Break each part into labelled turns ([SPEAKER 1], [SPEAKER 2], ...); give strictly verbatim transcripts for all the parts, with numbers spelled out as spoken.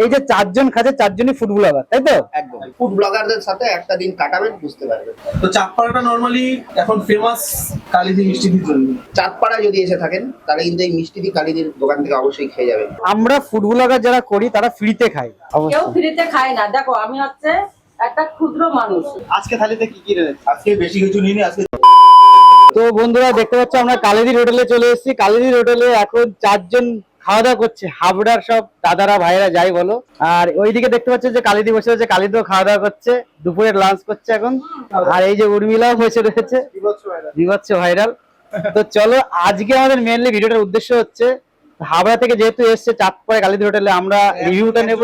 [SPEAKER 1] এই যে চারজন খাচ্ছে চারজনই ফুড ব্লগার, তাই তো?
[SPEAKER 2] একদম ফুড ব্লগারদের সাথে একটা দিন কাটাবেন, বুঝতে পারবেন।
[SPEAKER 3] তো চাঁদপাড়াটা নরমালি এখন ফেমাস কালিদি মিষ্টির জন্য।
[SPEAKER 2] চাঁদপাড়ায় যদি এসে থাকেন তাহলে কিন্তু এই মিষ্টি দি কালিদির দোকান থেকে অবশ্যই খেয়ে যাবেন।
[SPEAKER 1] আমরা ফুড ব্লগার যারা করি তারা ফ্রিতে খাই,
[SPEAKER 4] কেউ ফ্রিতে খায় না। দেখো আমি হচ্ছে একটা ক্ষুদ্র মানুষ।
[SPEAKER 1] আজকে থালিতে কি কি রয়েছে?
[SPEAKER 2] আজকে বেশি কিছু নিয়ে নি আজকে।
[SPEAKER 1] তো বন্ধুরা দেখতে পাচ্ছ আমরা কালিদির হোটেলে চলে এসেছি। কালিদির হোটেলে এখন চারজন খাওয়া দাওয়া করছে, হাবড়ার সব দাদারা ভাইরা যাই বলো। আর ওইদিকে দেখতে পাচ্ছ যে কালিদি বসে রয়েছে, কালিদিও খাওয়া দাওয়া করছে, দুপুরের লাঞ্চ করছে এখন। আর এই যে উর্মিলাও বসে রয়েছে, বিভৎস ভাইরাল। তো চলো আজকে আমাদের মেনলি ভিডিওটার উদ্দেশ্য হচ্ছে হাবড়া থেকে যেহেতু এসছে চাঁদপাড়া কালিদি হোটেলে, আমরা রিভিউটা নেবো।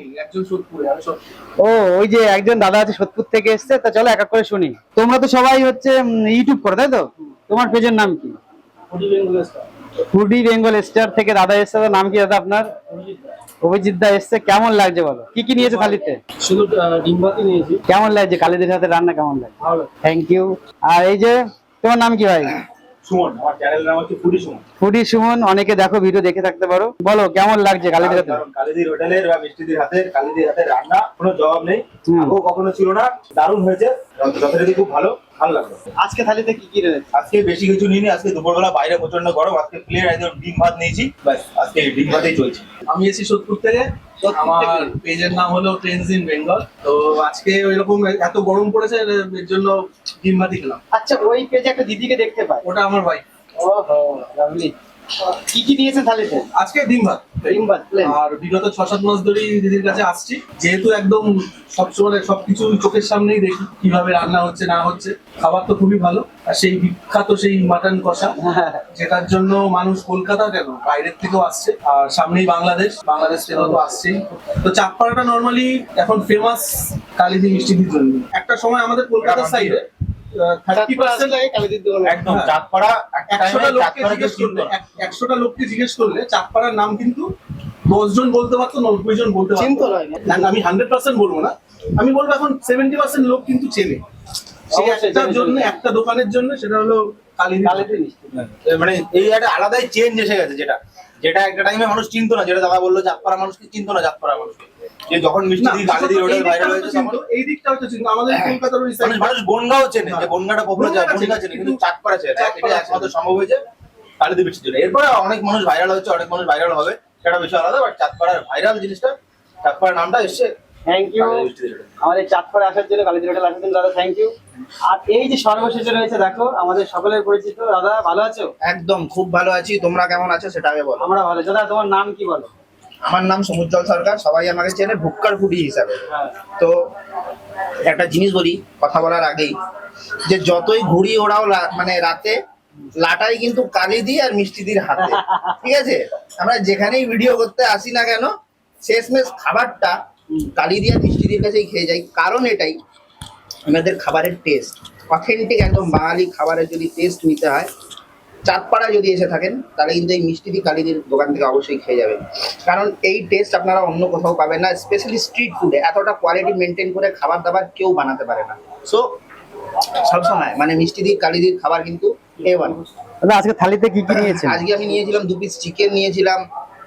[SPEAKER 1] ও ওই যে একজন দাদা আছে সোদপুর থেকে এসছে, তা চলো এক এক করে শুনি। তোমরা তো সবাই হচ্ছে ইউটিউব করো তাই তো? তোমার পেজের নাম কি? ফুডি বেঙ্গল স্টার থেকে দাদা এসছে। নাম কি দাদা আপনার? অভিজিৎ দা এসছে। কেমন লাগছে বলো, কি কি নিয়েছে থালিতে?
[SPEAKER 3] শুধু ডিম ভাতই নিয়েছি।
[SPEAKER 1] কেমন লাগছে কালিদির সাথে রান্না, কেমন লাগছে? ভালো, থ্যাংক ইউ। আর এই যে তোমার নাম কি ভাই?
[SPEAKER 3] সুমন, আমার চ্যানেলের নাম হচ্ছে ফুডি সুমন।
[SPEAKER 1] ফুডি সুমন, অনেকে দেখো ভিডিও দেখে থাকতে পারো। বলো কেমন লাগছে কালিদির হাতে?
[SPEAKER 5] কালিদির হোটেলের বা মিষ্টিদির হাতের কালিদির হাতের রান্না কোনো জবাব নেই, আগেও কখনো ছিল না। দারুণ হয়েছে, যথারীতি খুব ভালো, ভালো লাগলো।
[SPEAKER 1] আজকে থালিতে কি কি রয়েছে?
[SPEAKER 5] আজকে বেশি কিছু নিইনি, আজকে দুপুরবেলা বাইরে প্রচন্ড গরম, আজকে প্লেট একদম ডিম ভাত নিয়েছি, ব্যাস আজকে ডিম ভাতেই চলছে।
[SPEAKER 3] আমি এসেছি সোদপুর থেকে, আমার পেজের নাম হলো ট্রেন্ডস ইন বেঙ্গল। তো আজকে ওইরকম এত গরম পড়েছে এর জন্য ডিম ভাতই খেলাম।
[SPEAKER 1] আচ্ছা, ওই পেজে একটা দিদিকে দেখতে পাই,
[SPEAKER 3] ওটা আমার ভাই।
[SPEAKER 1] ওহো লাভলি। কি কি নিয়েছেন থালিতে?
[SPEAKER 3] আজকে ডিম ভাত
[SPEAKER 1] ডিম ভাত প্লেন।
[SPEAKER 3] আর বিগত ছ সাত মাস ধরেই দিদির কাছে আসছি, যেহেতু একদম সবসময় সবকিছু চোখের সামনেই দেখি কিভাবে রান্না হচ্ছে না হচ্ছে। খাবার তো খুবই ভালো, আর সেই বিখ্যাত সেই মাটন কষা, যেটার জন্য মানুষ কলকাতা কেন বাইরের থেকেও আসছে, আর সামনেই বাংলাদেশ, বাংলাদেশ থেকেও তো আসছেই। তো চাঁদপাড়াটা নর্মালি এখন ফেমাস কালিদি মিষ্টির জন্য। একটা সময় আমাদের কলকাতার সাইডে থার্টি পার্সেন্ট
[SPEAKER 5] একদম চাঁদপাড়া
[SPEAKER 3] একশোটা লোককে জিজ্ঞেস করলে একশোটা লোককে জিজ্ঞেস করলে চাঁদপাড়ার নাম কিন্তু দশ জন বলতে পারতো, নব্বই জন বলতে পারতো না। আমি হান্ড্রেড পার্সেন্ট বলবো না, আমি বলবো এখন সেভেন্টি পার্সেন্ট লোক কিন্তু চেনে। সেই একটার জন্য, একটা দোকানের জন্য, সেটা হলো কালিদি মিষ্টি।
[SPEAKER 5] মানে এই একটা আলাদাই চেঞ্জ এসে গেছে, যেটা যেটা একটা টাইমে মানুষ চিনতো না, যেটা দাদা বললো চাঁদপাড়া মানুষকে চিনতো না, চাঁদপাড়া মানুষকে। যে যখন মিষ্টি দি কালিদির হোটেল ভাইরাল হয়েছে তখন
[SPEAKER 3] এই দিকটা হয়তো চিনতো, আমাদের কলকাতার ওই সাইড
[SPEAKER 5] মানুষ বনগাঁও চেনে, যে বনগাঁটা পপুলার যায়, বনগাঁ চেনে, কিন্তু চাঁদপাড়া চেনে। এটা একমাত্র সম্ভব হয়েছে কালিদি মিষ্টির জন্য। এরপরে অনেক মানুষ ভাইরাল হচ্ছে, অনেক মানুষ ভাইরাল হবে, সেটা বিষয় আলাদা। বাট চাঁদপাড়ার ভাইরাল জিনিসটা, চাঁদপাড়ার নামটা এসছে।
[SPEAKER 1] থ্যাংক ইউ আমাদের চাঁদপাড়া আসার জন্য, কালিদির হোটেল আসার জন্য দাদা, থ্যাংক ইউ। আর এই যে সর্বশেষে রয়েছে দেখো আমাদের সকলের পরিচিত দাদা, ভালো আছো?
[SPEAKER 2] একদম খুব ভালো আছি, তোমরা কেমন আছো সেটা আগে বলো।
[SPEAKER 1] আমরা ভালো। দাদা তোমার নাম কি বলো?
[SPEAKER 2] আমার নাম সমুজ্জ্বল সরকার, সবাই আমাকে চেনে ভুক্কার ফুডি হিসাবে। তো একটা জিনিস বলি কথা বলার আগেই, যে যতই ঘুরি ওড়াও রা- মানে রাতে, লাটাই কিন্তু কালিদি আর মিষ্টিদির হাতে, ঠিক আছে? আমরা যেখানেই ভিডিও করতে আসি না কেন, শেষমেশ খাবারটা কালিদি আর মিষ্টিদির কাছেই খেয়ে যাই। কারণ এটাই, আমাদের খাবারের টেস্ট অথেন্টিক, একদম বাঙালি খাবারের যদি টেস্ট নিতে হয়, চাঁদপাড়ায় যদি এসে থাকেন তাহলে কিন্তু এই মিষ্টি দি কালিদির দোকান থেকে অবশ্যই খেয়ে যাবেন। কারণ এই টেস্ট আপনারা অন্য কোথাও পাবেন না, স্পেশালি স্ট্রিট ফুডে এতটা কোয়ালিটি মেনটেন করে খাবার দাবার কেউ বানাতে পারে না। সো সবসময় মানে মিষ্টি দি কালিদির খাবার কিন্তু এ ওয়ান।
[SPEAKER 1] দাদা আজকে থালিতে কি কি নিয়েছেন?
[SPEAKER 2] আজকে আমি নিয়েছিলাম দু পিস চিকেন নিয়েছিলাম,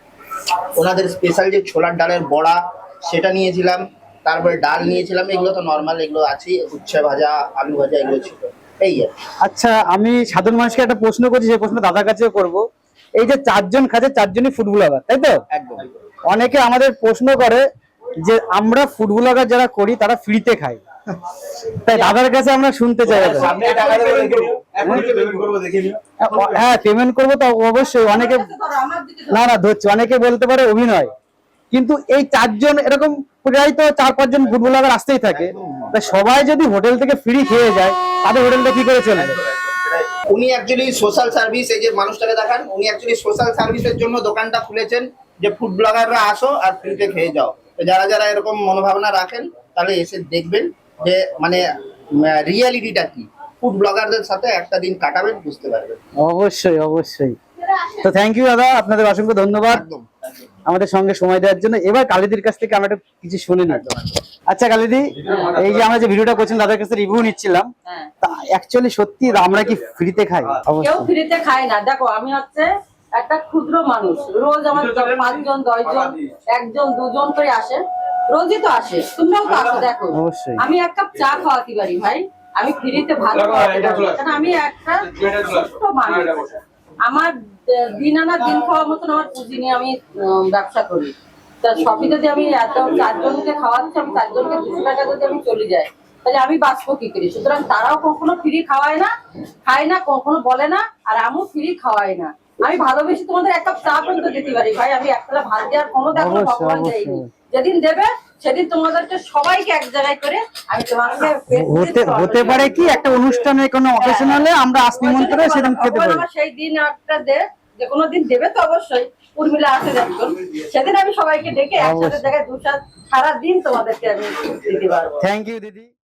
[SPEAKER 2] ওনাদের স্পেশাল যে ছোলার ডালের বড়া সেটা নিয়েছিলাম, তারপরে ডাল নিয়েছিলাম, এগুলো তো নর্মাল, এগুলো আছেই, উচ্ছে ভাজা, আলু ভাজা, এগুলো ছিল। এই আর
[SPEAKER 1] আচ্ছা, আমি সাধারণ মানুষকে একটা প্রশ্ন করছি, সেই প্রশ্ন দাদার কাছেও করবো। এই যে চারজন খাচ্ছে চারজনই ফুড ব্লগার, তাই তো?
[SPEAKER 2] একদম।
[SPEAKER 1] অনেকে আমাদের প্রশ্ন করে যে আমরা ফুড ব্লগার যারা করি তারা ফ্রিতে খাই, তাই দাদার কাছে আমরা শুনতে চাই। দাদা
[SPEAKER 5] সামনে টাকা দেবো, দেখে নিও, এখন পেমেন্ট করবো, দেখে নিও।
[SPEAKER 1] হ্যাঁ পেমেন্ট করবো তো অবশ্যই। অনেকে না না ধরছি, অনেকে বলতে পারে অভিনয়, কিন্তু এই চারজন এরকম প্রায় তো চার পাঁচজন ফুড ব্লগার আসতেই থাকে, তা সবাই যদি হোটেল থেকে ফ্রি খেয়ে যায় তাদের হোটেলটা কি করে চলবে?
[SPEAKER 2] উনি অ্যাকচুয়ালি সোশ্যাল সার্ভিস, এই যে মানুষটাকে দেখান, উনি অ্যাকচুয়ালি সোশ্যাল সার্ভিসের জন্য দোকানটা খুলেছেন, যে ফুড ব্লগাররা আসো আর ফ্রিতে খেয়ে যাও। তো যারা যারা এরকম মনোভাবনা রাখেন তাহলে এসে দেখবেন যে মানে রিয়ালিটিটা কি, ফুড ব্লগারদের সাথে একটা দিন কাটাবেন, বুঝতে পারবেন।
[SPEAKER 1] অবশ্যই অবশ্যই। তো থ্যাংক ইউ দাদা, আপনাদের অসংখ্য ধন্যবাদ
[SPEAKER 2] একদম
[SPEAKER 1] আমাদের সঙ্গে সময় দেওয়ার জন্য। এবার কালিদির কাছ থেকে আমরা একটু কিছু শুনে নিই। আচ্ছা কালিদি, এই যে আমরা যে ভিডিওটা করছিলাম দাদার কাছে রিভিউ নিচ্ছিলাম, তা অ্যাকচুয়ালি সত্যি আমরা কি ফ্রিতে খাই?
[SPEAKER 4] কেউ ফ্রিতে খায় না। দেখো আমি হচ্ছে একটা ক্ষুদ্র মানুষ রোজ আমার পাঁচজন দশজন একজন দুজন করে আসে, রোজই তো আসে, তোমরাও তো আসো দেখো।
[SPEAKER 1] অবশ্যই।
[SPEAKER 4] আমি এক কাপ চা খাওয়াতে পারি ভাই, আমি ফ্রিতে ভালো খাওয়াতে পারি, কারণ আমি একটা ছোট্ট মানুষ। আমার আহ, দিন আনা দিন খাওয়ার মতন আমার পুঁজি নিয়ে আমি আহ, ব্যবসা করি। তা সবই যদি আমি এত চারজনকে খাওয়াচ্ছি, আমি চারজনকে দুশো টাকা যদি আমি চলে যাই, তাহলে আমি বাঁচবো কি করি? সুতরাং তারাও কখনো ফ্রি খাওয়ায় না, খায় না, কখনো বলে না, আর আমিও ফ্রি খাওয়াই না। আমি ভালোবেসে তোমাদের এক কাপ চা পর্যন্ত দিতে পারি ভাই, আমি একটা ভাত দেওয়ার ক্ষমতা এখনো
[SPEAKER 1] অবশ্যই,
[SPEAKER 4] ভগবান
[SPEAKER 1] অবশ্যই।
[SPEAKER 4] দেয়নি। যেদিন দেবে সেদিন তোমাদেরকে সবাইকে এক জায়গায় করে আমি তোমাকে
[SPEAKER 1] হতে হতে পারে কি একটা অনুষ্ঠানে কোনো অকেশন হলে আমরা আসনিমন করে সেদিন খেতে
[SPEAKER 4] ভগবান
[SPEAKER 1] পারি।
[SPEAKER 4] আমার সেই দিন একটা দে, যে কোনো দিন দেবে তো অবশ্যই। উর্মিলা আসে একজন, সেদিন আমি সবাইকে ডেকে একসাথে
[SPEAKER 1] অবশ্যই।
[SPEAKER 4] জায়গায় দু সারা দিন তোমাদেরকে আমি দিতে পারবো।
[SPEAKER 1] থ্যাংক ইউ দিদি।